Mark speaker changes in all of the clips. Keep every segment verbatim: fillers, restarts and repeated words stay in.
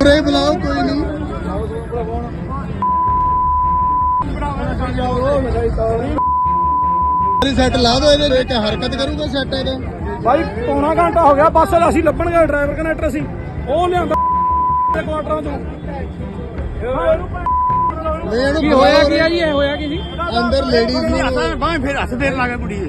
Speaker 1: ਉਰੇ ਬੁਲਾਓ ਕੋਈ ਨਹੀਂ ਸੈੱਟ ਲਾ ਦੋ ਇਹਦੇ ਵਿੱਚ ਹਰਕਤ ਕਰੂਗਾ ਸੈੱਟ ਇਹਦਾ
Speaker 2: ਭਾਈ ਪੌਣਾ ਘੰਟਾ ਹੋ ਗਿਆ ਬੱਸ ਅਸੀਂ ਲੱਭਣ ਗਏ ਡਰਾਈਵਰ ਕਨੈਕਟਰ ਸੀ ਉਹ ਲਿਆਂਦਾ ਕੁਆਟਰਾਂ ਚੋਂ
Speaker 1: ਕੀ ਹੋਇਆ ਕੀ ਆ
Speaker 2: ਜੀ ਇਹ ਹੋਇਆ ਕੀ ਜੀ
Speaker 1: ਅੰਦਰ ਲੇਡੀਜ਼ ਨੂੰ
Speaker 2: ਬਾਹ ਫਿਰ ਹੱਥ ਫੇਰ ਲਾ ਕੇ ਕੁੜੀ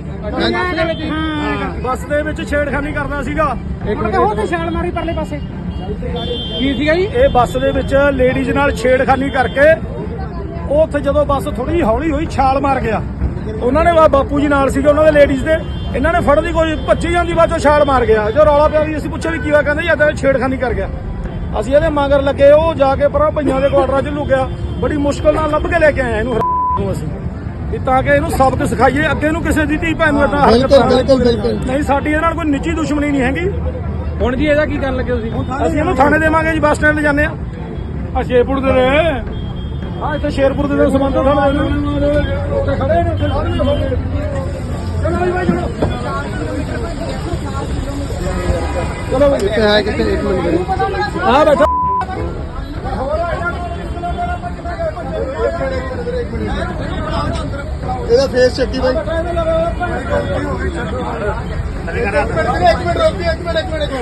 Speaker 2: ਬੱਸ ਦੇ ਵਿੱਚ ਛੇੜਖਾਨੀ ਕਰਦਾ ਸੀਗਾ
Speaker 3: ਉਹ ਤੇ ਛਾਲ ਮਾਰੀ ਪਰਲੇ ਪਾਸੇ
Speaker 2: ਕੀ ਸੀਗਾ ਜੀ ਇਹ ਬੱਸ ਦੇ ਵਿੱਚ ਲੇਡੀਜ਼ ਨਾਲ ਛੇੜਖਾਨੀ ਕਰਕੇ ਉਹ ਉੱਥੇ ਜਦੋਂ ਬੱਸ ਥੋੜੀ ਹੌਲੀ ਹੋਈ ਛਾਲ ਮਾਰ ਗਿਆ ਉਹਨਾਂ ਨੇ ਬਾਪੂ ਜੀ ਨਾਲ ਸੀਗੇ ਉਹਨਾਂ ਦੇ ਲੇਡੀਜ਼ ਦੇ ਇਹਨਾਂ ਨੇ ਫੜਦੀ ਕੋਈ ਭੱਜੀ ਜਾਂਦੀ ਬਾਅਦ ਚੋਂ ਛਾਲ ਮਾਰ ਗਿਆ ਜੋ ਰੌਲਾ ਪਿਆ ਵੀ ਅਸੀਂ ਪੁੱਛਿਆ ਵੀ ਕੀ ਹੋਇਆ ਕਹਿੰਦੇ ਯਾਰ ਛੇੜਖਾਨੀ ਕਰ ਗਿਆ ਅਸੀਂ ਇਹਦੇ ਮਗਰ ਲੱਗੇ ਉਹ ਜਾ ਕੇ ਪਰਾਂ ਭਈਆਂ ਦੇ ਕੁਆਟਰਾਂ 'ਚ ਲੁਕਿਆ ਬੜੀ ਮੁਸ਼ਕਲ ਨਾਲ ਲੱਭ ਕੇ ਲੈ ਕੇ ਆਏ ਇਹਨੂੰ ਨੂੰ ਅਸੀਂ ਵੀ ਤਾਂ ਕਿ ਇਹਨੂੰ ਸਬਕ ਸਿਖਾਈਏ ਅੱਗੇ ਨੂੰ ਕਿਸੇ ਦੀ ਧੀ ਭੈਣ ਨੂੰ ਏਦਾਂ
Speaker 1: ਬਿਲਕੁਲ ਬਿਲਕੁਲ ਬਿਲਕੁਲ
Speaker 2: ਨਹੀਂ ਸਾਡੀ ਇਹਦੇ ਨਾਲ ਕੋਈ ਨਿੱਜੀ ਦੁਸ਼ਮਣੀ ਨਹੀਂ ਹੈਗੀ
Speaker 3: ਹੁਣ ਜੀ ਇਹਦਾ ਕੀ ਕਰਨ ਲੱਗੇ ਤੁਸੀਂ
Speaker 2: ਅਸੀਂ ਇਹਨੂੰ ਥਾਣੇ ਦੇਵਾਂਗੇ ਜੀ ਬੱਸ ਸਟੈਂਡ ਲੈ ਜਾਂਦੇ ਆ ਆ ਸ਼ੇਰਪੁਰ ਦੇ ਨੇ ਆ ਇੱਥੇ ਸ਼ੇਰਪੁਰ ਦੇ ਨੇ ਸਬੰਧ ਥਾਣੇ ਉੱਥੇ ਖੜੇ ਨੇ ਉੱਥੇ ਸਾਰੇ ਚਲੋ ਜੀ ਬਾਈ ਚਲੋ ਚਲੋ
Speaker 1: ਕਿੱਥੇ ਹੈ ਕਿੱਥੇ ਇੱਕ ਮਿੰਟ
Speaker 2: ਆ ਬੈਠਾ
Speaker 1: ਇਹਦਾ ਫੇਸ ਚੱਕੀ ਬਾਈ ਇੱਕ ਮਿੰਟ ਰੋਕੀ ਇੱਕ ਮਿੰਟ ਇੱਕ ਮਿੰਟ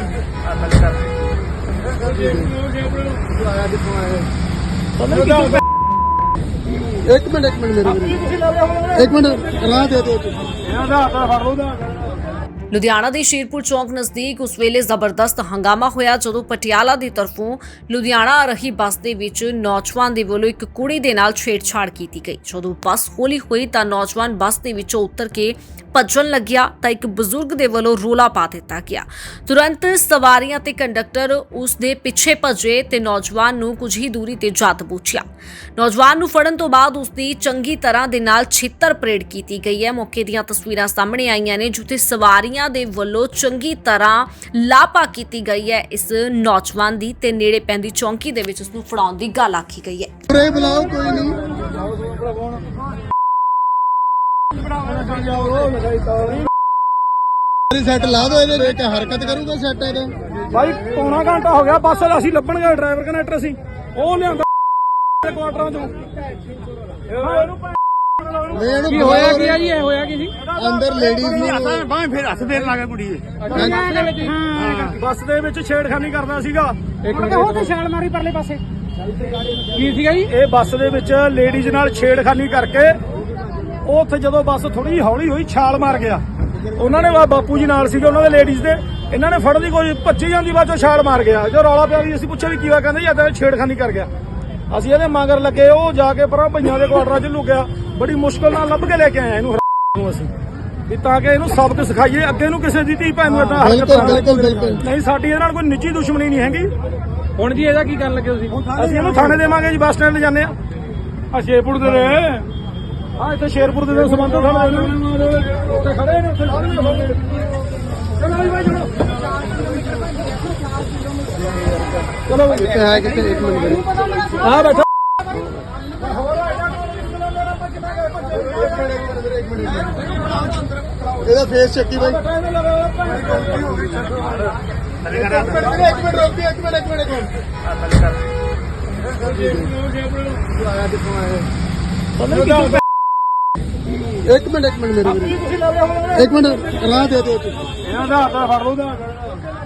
Speaker 1: ਇੱਕ ਮਿੰਟ ਇੱਕ ਮਿੰਟ ਮੇਰੇ ਵੀਰੇ ਇੱਕ ਮਿੰਟ ਰਾਹ ਦੇ ਦਿਓ ਤੁਸੀਂ
Speaker 2: ਇਹਦਾ ਹੱਥ ਫੜ ਲਓ ਦਾ
Speaker 4: ਲੁਧਿਆਣਾ ਦੇ ਸ਼ੇਰਪੁਰ ਚੌਂਕ ਨਜ਼ਦੀਕ ਉਸ ਵੇਲੇ ਜ਼ਬਰਦਸਤ ਹੰਗਾਮਾ ਹੋਇਆ ਜਦੋਂ ਪਟਿਆਲਾ ਦੀ ਤਰਫੋਂ ਲੁਧਿਆਣਾ ਆ ਰਹੀ ਬੱਸ ਦੇ ਵਿੱਚ ਨੌਜਵਾਨ ਦੇ ਵੱਲੋਂ ਇੱਕ ਕੁੜੀ ਦੇ ਨਾਲ ਛੇੜਛਾੜ ਕੀਤੀ ਗਈ। ਜਦੋਂ ਬੱਸ ਹੌਲੀ ਹੋਈ ਤਾਂ ਨੌਜਵਾਨ ਬੱਸ ਦੇ ਵਿੱਚੋਂ ਉਤਰ ਕੇ ਭੱਜਣ ਲੱਗਿਆ ਤਾਂ ਇੱਕ ਬਜ਼ੁਰਗ ਦੇ ਵੱਲੋਂ ਰੋਲਾ ਪਾ ਦਿੱਤਾ ਗਿਆ। ਤੁਰੰਤ ਸਵਾਰੀਆਂ ਤੇ ਕੰਡਕਟਰ ਉਸ ਦੇ ਪਿੱਛੇ ਭੱਜੇ ਤੇ ਨੌਜਵਾਨ ਨੂੰ ਕੁਝ ਹੀ ਦੂਰੀ ਤੇ ਜਾ ਦਬੋਚਿਆ। ਨੌਜਵਾਨ ਨੂੰ ਫੜਨ ਤੋਂ ਬਾਅਦ ਉਸ ਦੀ ਚੰਗੀ ਤਰ੍ਹਾਂ ਦੇ ਨਾਲ ਛਿੱਤਰ ਪਰੇਡ ਕੀਤੀ ਗਈ ਹੈ। ਮੌਕੇ ਦੀਆਂ ਤਸਵੀਰਾਂ ਸਾਹਮਣੇ ਆਈਆਂ ਨੇ ਜਿੱਥੇ ਸਵਾਰੀਆਂ ਦੇ ਵੱਲੋਂ ਚੰਗੀ ਤਰ੍ਹਾਂ ਲਾਪਾ ਕੀਤੀ ਗਈ ਹੈ ਇਸ ਨੌਜਵਾਨ ਦੀ ਤੇ ਨੇੜੇ ਪੈਂਦੀ ਚੌਂਕੀ ਦੇ ਵਿੱਚ ਉਸ ਨੂੰ ਫੜਾਉਣ ਦੀ ਗੱਲ ਆਖੀ ਗਈ ਹੈ।
Speaker 1: ਉਰੇ ਬੁਲਾਓ ਕੋਈ ਨਹੀਂ ਸੈੱਟ ਲਾ ਦੋ ਇਹਦੇ ਵਿੱਚ ਹਰਕਤ ਕਰੂਗਾ ਸੈੱਟ ਇਹਦਾ
Speaker 2: ਭਾਈ ਪੌਣਾ ਘੰਟਾ ਹੋ ਗਿਆ ਬੱਸ ਅਸੀਂ ਲੱਭਣ ਗਏ ਡਰਾਈਵਰ ਕਨੈਕਟਰ ਸੀ ਉਹ ਲਿਆਂਦਾ ਕੁਆਟਰਾਂ ਚੋਂ
Speaker 3: ਕੀ ਹੋਇਆ ਕੀ ਆ ਜੀ ਇਹ ਹੋਇਆ ਕੀ ਜੀ
Speaker 1: ਅੰਦਰ ਲੇਡੀਜ਼ ਨੂੰ
Speaker 2: ਬਾਹ ਫਿਰ ਹੱਥ ਫੇਰ ਲਾ ਕੇ ਕੁੜੀ ਬੱਸ ਦੇ ਵਿੱਚ ਛੇੜਖਾਨੀ ਕਰਦਾ ਸੀਗਾ
Speaker 3: ਉਹ ਤੇ ਛਾਲ ਮਾਰੀ ਪਰਲੇ ਪਾਸੇ
Speaker 2: ਕੀ ਸੀਗਾ ਜੀ ਇਹ ਬੱਸ ਦੇ ਵਿੱਚ ਲੇਡੀਜ਼ ਨਾਲ ਛੇੜਖਾਨੀ ਕਰਕੇ ਉਹ ਉੱਥੇ ਜਦੋਂ ਬੱਸ ਥੋੜੀ ਹੌਲੀ ਹੋਈ ਛਾਲ ਮਾਰ ਗਿਆ ਉਹਨਾਂ ਨੇ ਬਾਪੂ ਜੀ ਨਾਲ ਸੀਗੇ ਉਹਨਾਂ ਦੇ ਲੇਡੀਜ਼ ਦੇ ਇਹਨਾਂ ਨੇ ਫੜਦੀ ਕੋਈ ਭੱਜੀ ਜਾਂਦੀ ਬਾਅਦ ਚੋਂ ਛਾਲ ਮਾਰ ਗਿਆ ਜੋ ਰੌਲਾ ਪਿਆ ਵੀ ਅਸੀਂ ਪੁੱਛਿਆ ਵੀ ਕੀ ਹੋਇਆ ਕਹਿੰਦੇ ਯਾਰ ਛੇੜਖਾਨੀ ਕਰ ਗਿਆ ਅਸੀਂ ਇਹਦੇ ਮਗਰ ਲੱਗੇ ਉਹ ਜਾ ਕੇ ਪਰਾਂ ਭਈਆਂ ਦੇ ਕੁਆਟਰਾਂ 'ਚ ਲੁਕਿਆ ਬੜੀ ਮੁਸ਼ਕਲ ਨਾਲ ਲੱਭ ਕੇ ਲੈ ਕੇ ਆਏ ਇਹਨੂੰ ਨੂੰ ਅਸੀਂ ਵੀ ਤਾਂ ਕਿ ਇਹਨੂੰ ਸਬਕ ਸਿਖਾਈਏ ਅੱਗੇ ਨੂੰ ਕਿਸੇ ਦੀ ਧੀ ਭੈਣ ਨੂੰ ਏਦਾਂ
Speaker 1: ਬਿਲਕੁਲ ਬਿਲਕੁਲ ਬਿਲਕੁਲ
Speaker 2: ਨਹੀਂ ਸਾਡੀ ਇਹਦੇ ਨਾਲ ਕੋਈ ਨਿੱਜੀ ਦੁਸ਼ਮਣੀ ਨਹੀਂ ਹੈਗੀ
Speaker 3: ਹੁਣ ਜੀ ਇਹਦਾ ਕੀ ਕਰਨ ਲੱਗੇ ਤੁਸੀਂ
Speaker 2: ਅਸੀਂ ਇਹਨੂੰ ਥਾਣੇ ਦੇਵਾਂਗੇ ਜੀ ਬੱਸ ਸਟੈਂਡ ਲੈ ਜਾਂਦੇ ਆ ਆ ਸ਼ੇਰਪੁਰ ਦੇ ਨੇ ਆ ਇੱਥੇ ਸ਼ੇਰਪੁਰ ਦੇ ਨੇ ਸਬੰਧ ਥਾਣੇ ਉੱਥੇ ਖੜੇ ਨੇ ਉੱਥੇ ਸਾਰੇ ਚਲੋ ਜੀ ਬਾਈ ਚਲੋ ਚਲੋ
Speaker 1: ਕਿੱਥੇ ਹੈ ਕਿੱਥੇ ਇੱਕ ਮਿੰਟ
Speaker 2: ਆ ਬੈਠਾ
Speaker 1: ਇਹਦਾ ਫੇਸ ਚੱਕੀ ਬਾਈ ਇੱਕ ਮਿੰਟ ਰੋਕੀ ਇੱਕ ਮਿੰਟ ਇੱਕ ਮਿੰਟ ਇੱਕ ਮਿੰਟ ਇੱਕ ਮਿੰਟ ਮੇਰੇ ਵੀਰੇ ਇੱਕ ਮਿੰਟ ਰਾਹ ਦੇ ਦਿਓ ਤੁਸੀਂ
Speaker 2: ਇਹਦਾ ਹੱਥ ਫੜ ਲਓ ਦਾ